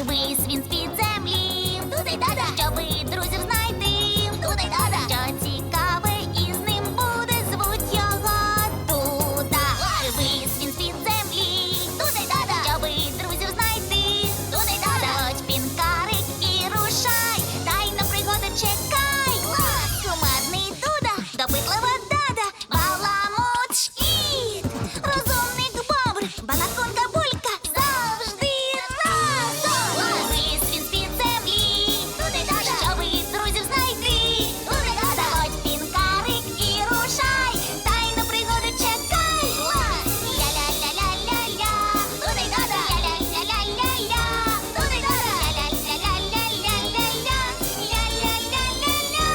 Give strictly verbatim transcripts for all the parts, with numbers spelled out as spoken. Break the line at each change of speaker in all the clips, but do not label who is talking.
Вись він з-під землі. Туди-дада. Щоби друзів знайти. Туди-дада. Що цікаве із ним буде, звуть його Дуда. Вись він з-під землі. Туди-дада. Щоби друзів знайти. Туди-дада. Заходь, пінкарик, і рушай. Тайна пригода чекай. Кумедний Дуда, допитлива Дада, баламут Шкіт, розумник Бобр, балаконка Булька, завжди разом. Вись він з-під землі. Туди-дада. Щоби друзів знайти. Туди-дада. Заходь, пінкарик, і рушай. Тайну пригоду чекай. Ля-ля-ля-ля-ля-ля. Туди-дада. Ля-ля-ля-ля-ля-ля. Туди-дада. Ля-ля-ля-ля-ля-ля-ля. Ля-ля-ля-ля-ля.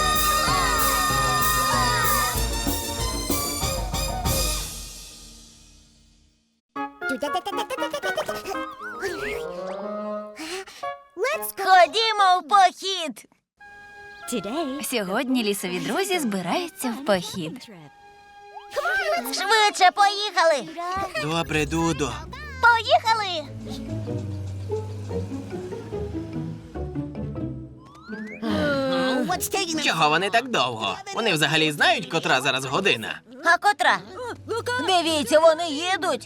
Ходімо в похід.
Сьогодні лісові друзі збираються в похід.
Швидше, поїхали.
Добре, Дудо.
Поїхали.
Чого вони так довго? Вони взагалі знають, котра зараз година?
А котра? Дивіться, вони їдуть.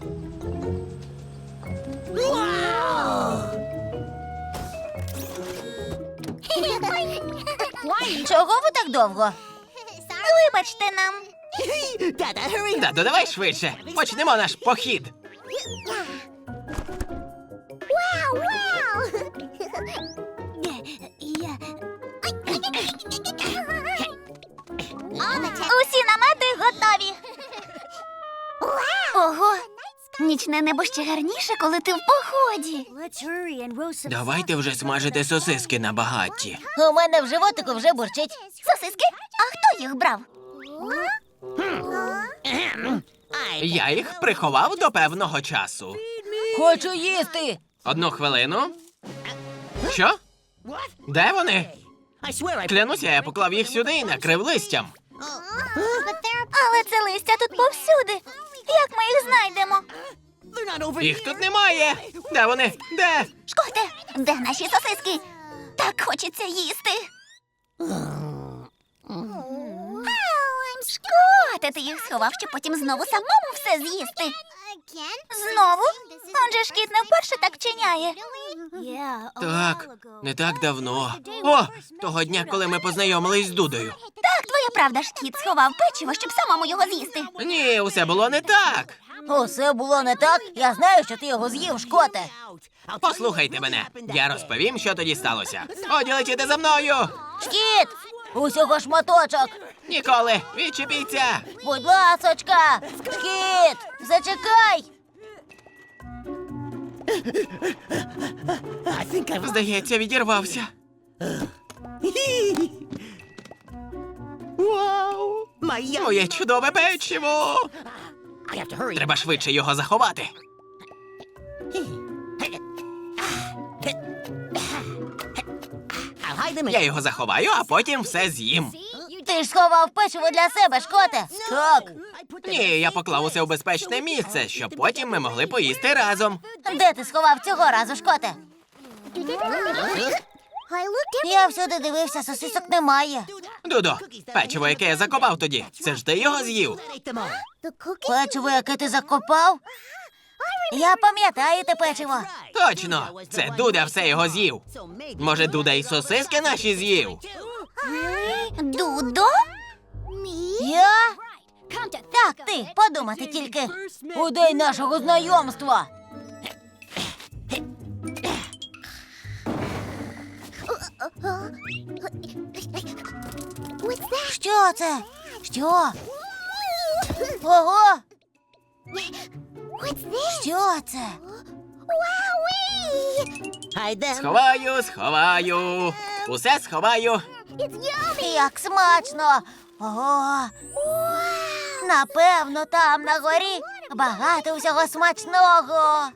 Чого ви так довго?
Вибачте нам.
Дадо, давай швидше. Почнемо наш похід.
Усі намети готові. Ого, нічне небо ще гарніше, коли ти в поході.
Давайте вже смажити сосиски на багатті.
У мене в животику вже бурчить.
Сосиски? А хто їх брав?
Я їх приховав до певного часу.
Хочу їсти.
Одну хвилину. Що? Де вони? Клянуся, я поклав їх сюди і накрив листям.
Але це листя тут повсюди. Як ми їх знайдемо?
Їх тут немає. Де вони? Де?
Шкоте, де наші сосиски? Так хочеться їсти. Шкоте, ти їх сховав, щоб потім знову самому все з'їсти. Знову? Он же ж кіт не вперше так вчиняє.
Так, не так давно. О, того дня, коли ми познайомились з Дудою.
Так, твоя правда ж, кіт сховав печиво, щоб самому його з'їсти.
Ні, усе було не так.
Усе було не так. Я знаю, що ти його з'їв, Шкоте.
Послухайте мене. Я розповім, що тоді сталося. Годі летіти за мною.
Шкіт! Усього шматочок.
Ніколи, відчепіться.
Будь ласочка. Шкіт, зачекай.
Здається, відірвався. Моє чудове печиво. Треба швидше його заховати. Я його заховаю, а потім все з'їм.
Ти ж сховав печиво для себе, Шкоте. Так.
Ні, я поклав усе у безпечне місце, щоб потім ми могли поїсти разом.
Де ти сховав цього разу, Шкоте? Я всюди дивився, сосисок немає.
Дудо, печиво, яке я закопав тоді, це ж ти його з'їв.
Печиво, яке ти закопав? Я пам'ятаю те печиво.
Точно, це Дуда все його з'їв. Може, Дуда і сосиски наші з'їв?
Дудо?
Я? Так, ти, подумати тільки. У день нашого знайомства. Що це? Що? Ого! Що це?
Сховаю, сховаю. Усе сховаю.
Як смачно! Ого! Напевно, там на горі багато всього смачного.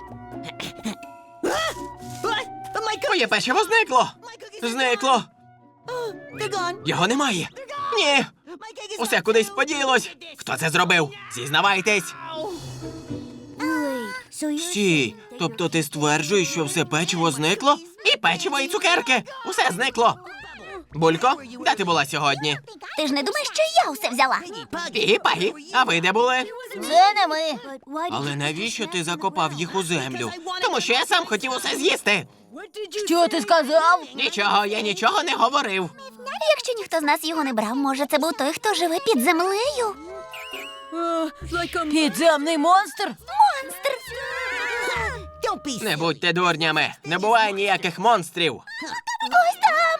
Моє печиво зникло. Зникло. Його немає. Ні. Усе кудись поділось. Хто це зробив? Зізнавайтесь. Стій, тобто ти стверджуєш, що все печиво зникло? І печиво, і цукерки. Усе зникло. Булько, де ти була сьогодні?
Ти ж не думаєш, що я усе взяла?
Пігі-пагі, а ви де були?
Це не ми.
Але навіщо ти закопав їх у землю? Тому що я сам хотів усе з'їсти.
Що ти сказав?
Нічого, я нічого не говорив.
Якщо ніхто з нас його не брав, може це був той, хто живе під землею?
Підземний монстр?
Монстр!
Не будьте дурнями, не буває ніяких монстрів.
Ось там!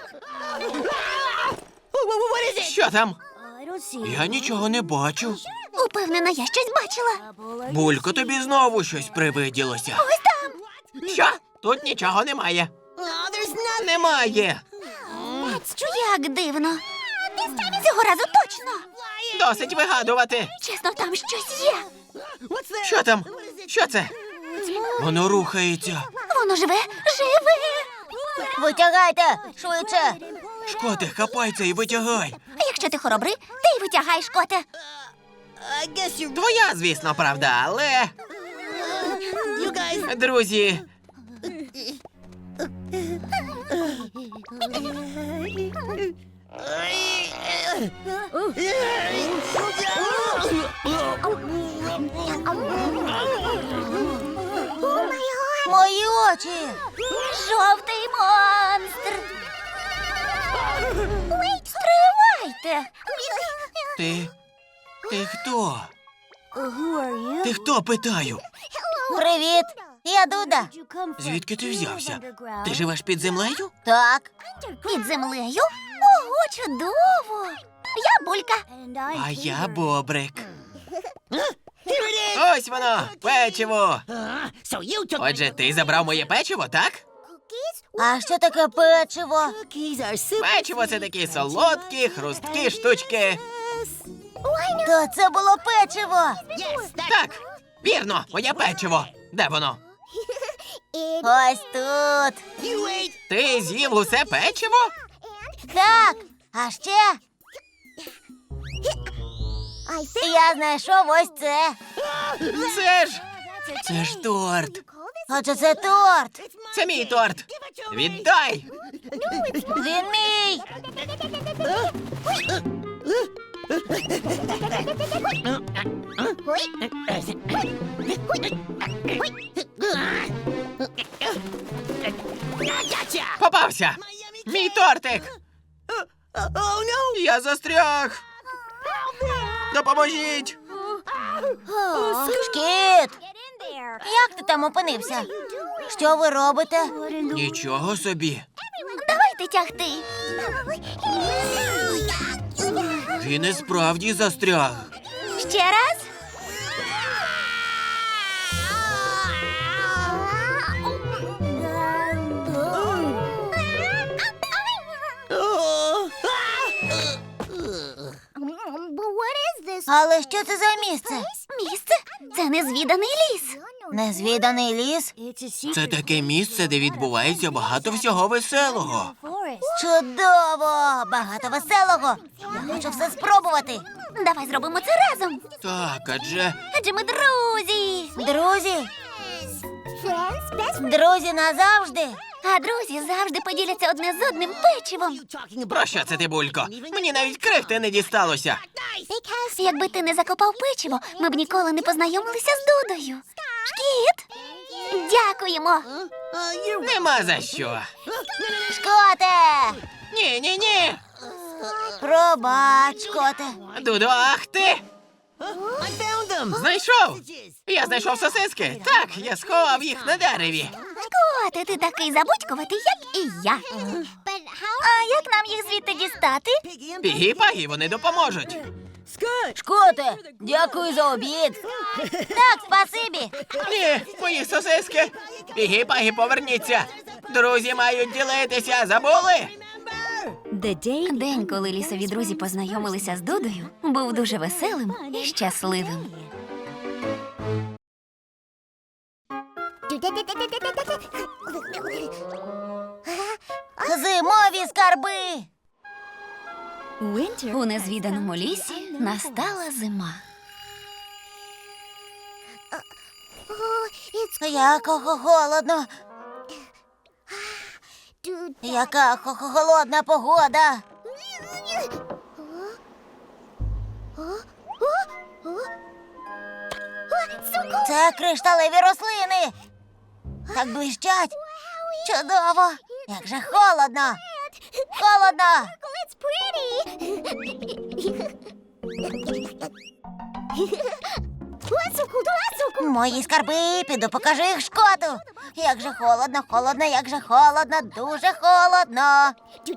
Що там? Я нічого не бачу.
Упевнена, я щось бачила.
Булько, тобі знову щось привиділося.
Ось там!
Що? Тут нічого немає. Немає.
Як дивно. Цього разу точно.
Досить вигадувати.
Чесно, там щось є.
Що там? Що це? Воно рухається.
Воно живе, живе.
Витягайте, швидше.
Шкоте, хапай це і витягай.
А якщо ти хоробрий, ти й витягаєш коте.
Твоя, звісно, правда, але... Друзі,
Мої очі.
Жовтий монстр. Стривайте.
ти... Ти хто? Ти хто, питаю?
Привіт. Я Дуда.
Звідки ти взявся? Ти живеш під землею?
Так.
Під землею? Ого, чудово. Я Булька.
А я Бобрик. Ось воно, печиво. Отже, ти забрав моє печиво, так?
А що таке печиво?
Печиво – це такі солодкі, хрусткі штучки.
То це було печиво.
Так, вірно, моє печиво. Де воно?
Ось тут.
Ти з'їв усе печиво?
Так. А ще я знайшов ось це.
Це ж... Це ж торт.
Отже, це торт.
Це мій торт. Віддай.
Він мій.
Попався. Мій тортик. Я застряг. Допоможіть.
Шкіт. Як ти там опинився? Що ви робите?
Нічого собі.
Давайте тягти.
Він і справді застряг.
Ще раз.
Але що це за місце?
Місце? Це незвіданий ліс.
Незвіданий ліс?
Це таке місце, де відбувається багато всього веселого.
Чудово! Багато веселого. Я хочу все спробувати.
Давай зробимо це разом.
Так, адже...
Адже ми друзі.
Друзі? Друзі назавжди.
А друзі завжди поділяться одне з одним печивом.
Про що це ти, Булько? Мені навіть крихти не дісталося.
Якби ти не закопав печиво, ми б ніколи не познайомилися з Дудою. Шкіт! Дякуємо.
Нема за що.
Шкоте!
Ні, ні, ні.
Пробач, шкоте.
Дудо, ах ти! Знайшов! Я знайшов сосиски. Так, я сховав їх на дереві.
Шкоте, ти такий забудькуватий, як і я. А як нам їх звідти дістати?
Пігі-пагі, вони допоможуть.
Шкоте, дякую за обід. Так, спасибі.
Ні, мої сосиски. Пігі-пагі, поверніться. Друзі мають ділитися, забули?
День, коли лісові друзі познайомилися з Дудою, був дуже веселим і щасливим.
Зимові скарби.
У незвіданому лісі настала зима.
Як хо- холодно. Яка хо- хо- холодна погода. Це кришталеві рослини. Так блищать. Чудово. Як же холодно. Холодно. Мої скарби, піду покажу їх Шкоту. Як же холодно, холодно, як же холодно, дуже холодно.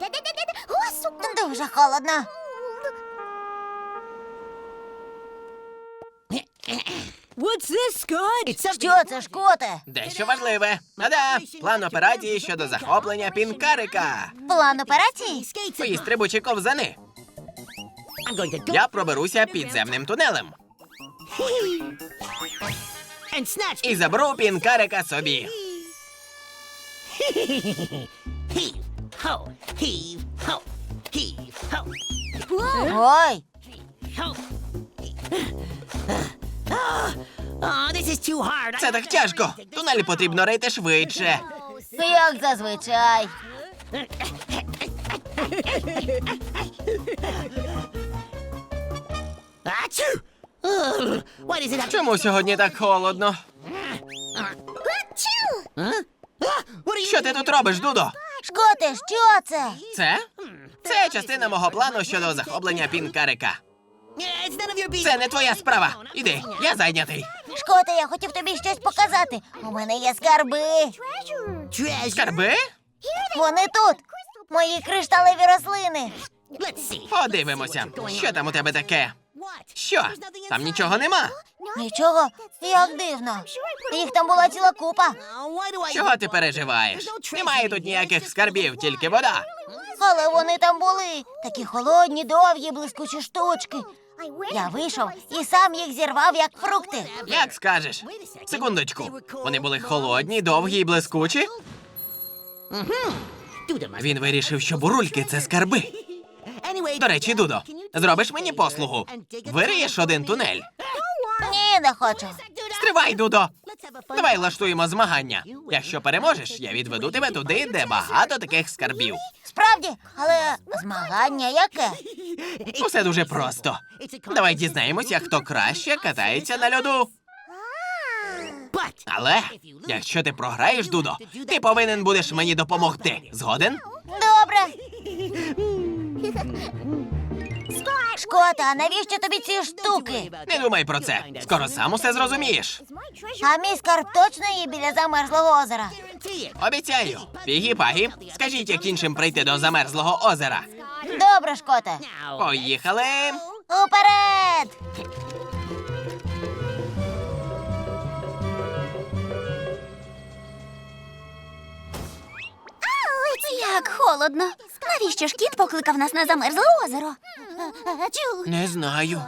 Дуже холодно. Що це, Шкоте?
Дещо важливе. А-да, план операції щодо захоплення пінкарика.
План операції?
Твої стрибучі ковзани. Я проберуся підземним тунелем і заберу пінкарика собі.
Ой,
Це так тяжко. Тунелі потрібно рити швидше.
як зазвичай.
Чому сьогодні так холодно? Що ти тут робиш, Дудо?
Шкоте, що це?
Це? Це частина мого плану щодо захоплення пінкарика. Це не твоя справа. Іди, я зайнятий.
Шкоте, я хотів тобі щось показати. У мене є скарби.
Скарби?
Вони тут. Мої кришталеві рослини.
Подивимося, що там у тебе таке. Що? Там нічого нема.
Нічого, як дивно. Їх там була ціла купа.
Чого ти переживаєш? Немає тут ніяких скарбів, тільки вода.
Але вони там були. Такі холодні, довгі, блискучі штучки. Я вийшов і сам їх зірвав, як фрукти.
Як скажеш? Секундочку. Вони були холодні, довгі і блискучі? Він вирішив, що бурульки – це скарби. До речі, Дудо, зробиш мені послугу? Вириєш один тунель.
Ні, не хочу.
Стривай, Дудо! Давай влаштуємо змагання. Якщо переможеш, я відведу тебе туди, де багато таких скарбів.
Справді, але змагання яке?
Усе дуже просто. Давай дізнаємося, хто краще катається на льоду. Але, якщо ти програєш, Дудо, ти повинен будеш мені допомогти. Згоден?
Добре. Шкота, а навіщо тобі ці штуки?
Не думай про це. Скоро сам усе зрозумієш.
А мій скарб точно є біля замерзлого озера?
Обіцяю. Пігі-пагі, скажіть, як іншим прийти до замерзлого озера.
Добре, Шкоте.
Поїхали.
Уперед!
Як холодно. Навіщо ж кіт покликав нас на замерзле озеро?
Не знаю.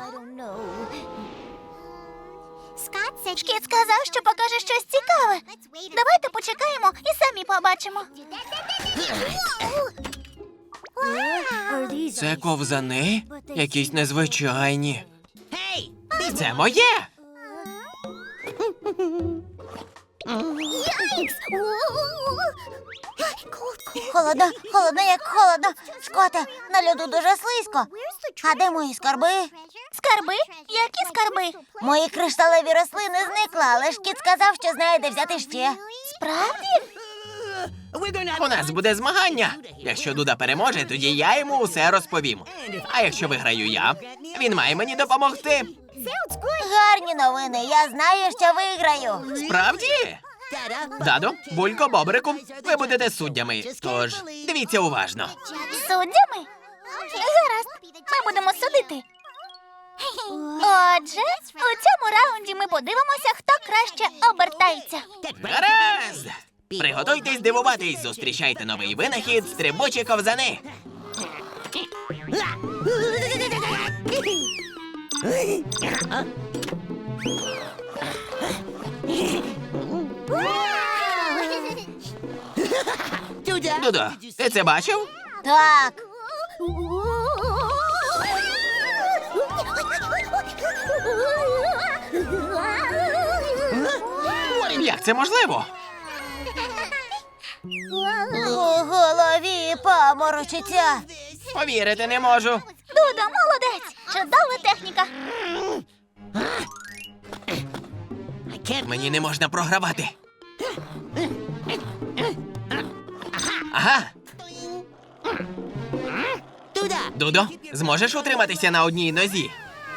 Шкіт сказав, що покаже щось цікаве. Давайте почекаємо і самі побачимо.
Це ковзани? Якісь незвичайні. Це моє.
Холодно, холодно, як холодно. Шкоте, на льоду дуже слизько. А де мої скарби?
Скарби? Які скарби?
Мої кришталеві рослини зникли, але ж кіт сказав, що знає, де взяти ще.
Справді?
У нас буде змагання. Якщо Дуда переможе, тоді я йому усе розповім. А якщо виграю я, він має мені допомогти.
Гарні новини, я знаю, що виграю.
Справді? Дадо, Булько, Бобрику, ви будете суддями. Тож, дивіться уважно.
Суддями? Гаразд, ми будемо судити. Отже, у цьому раунді ми подивимося, хто краще обертається.
Гаразд! Приготуйтесь дивуватись, зустрічайте новий винахід стрибучі ковзани. Дудо, ти це бачив?
Так.
Як це можливо?
У голові паморочиться.
Повірити не можу.
Дудо, молодець! Чудова техніка!
Мені не можна програвати. Ага. Дудо, зможеш утриматися на одній нозі?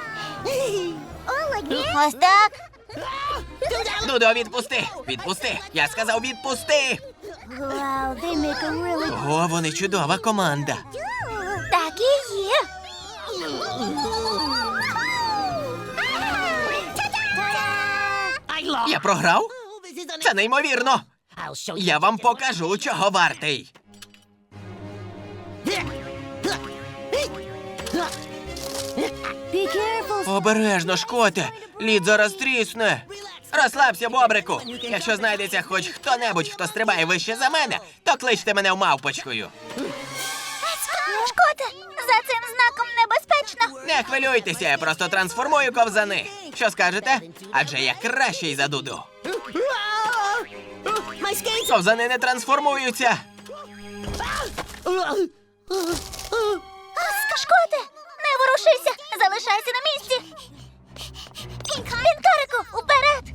Ось так.
Дудо, відпусти! Відпусти! Я сказав, відпусти! О, вони чудова команда.
Так і є!
Я програв? Це неймовірно! Я вам покажу, чого вартий. Обережно, Шкоте! Лід зараз трісне. Розслабся, Бобрику. Якщо знайдеться хоч хто-небудь, хто стрибає вище за мене, то кличте мене в мавпочкою.
Шкоте, за цим знаком небезпечно!
Не хвилюйтеся, я просто трансформую ковзани. Що скажете? Адже я кращий за Дуду. Ковзани не трансформуються.
Шкоте, не ворушися! Залишайся на місці! Пінкарику, уперед!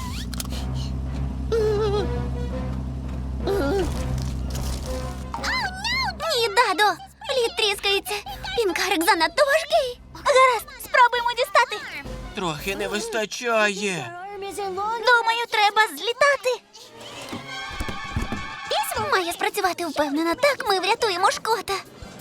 Ні, Дадо! Лід тріскається! Пінкарик занадто важкий! Гаразд, спробуємо дістати!
Трохи не вистачає.
Думаю, треба злітати! Має спрацювати впевнено, так ми врятуємо Шкота!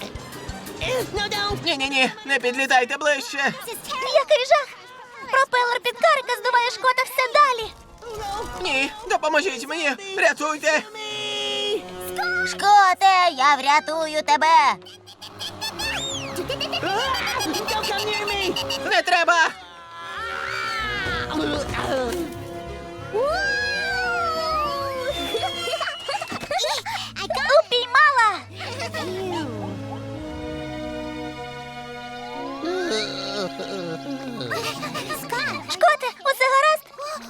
Ні-ні-ні, не підлітайте ближче.
Який жах! Пропелер Пінкарика здуває Шкота все далі!
Ні, допоможіть мені, рятуйте.
Шкоте, я врятую тебе.
Не треба.
Упіймала! Шкоте, усе гаразд?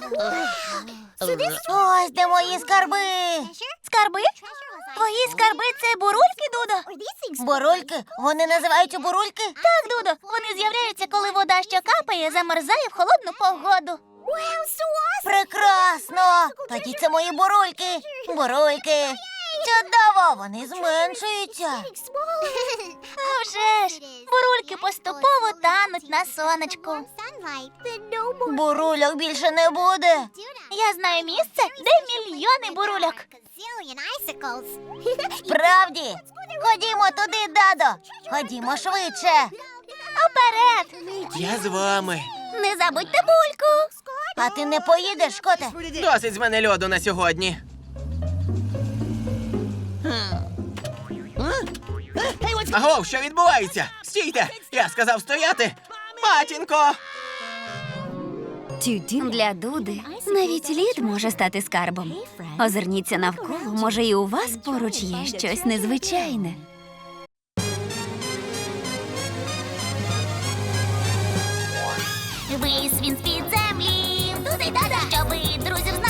Ось де мої скарби.
Скарби? Твої скарби – це бурульки, Дудо?
Бурульки? Вони називаються бурульки?
Так, Дудо, вони з'являються, коли вода, що капає, замерзає в холодну погоду.
Прекрасно! Тоді це мої бурульки. Бурульки. Чудово, вони зменшуються.
А вже ж, бурульки поступово тануть на сонечку.
Бурульок більше не буде.
Я знаю місце, де мільйони бурульок.
Справді? Ходімо туди, Дадо. Ходімо швидше.
Уперед!
Я з вами.
Не забудьте бульку.
А ти не поїдеш, Шкоте?
Досить з мене льоду на сьогодні. Агов, що відбувається? Стійте! Я сказав стояти! Матінко!
Для Дуди навіть лід може стати скарбом. Озирніться навколо, може і у вас поруч є щось незвичайне.
Вись він з-під землі, туди дада, щоби друзів знайти.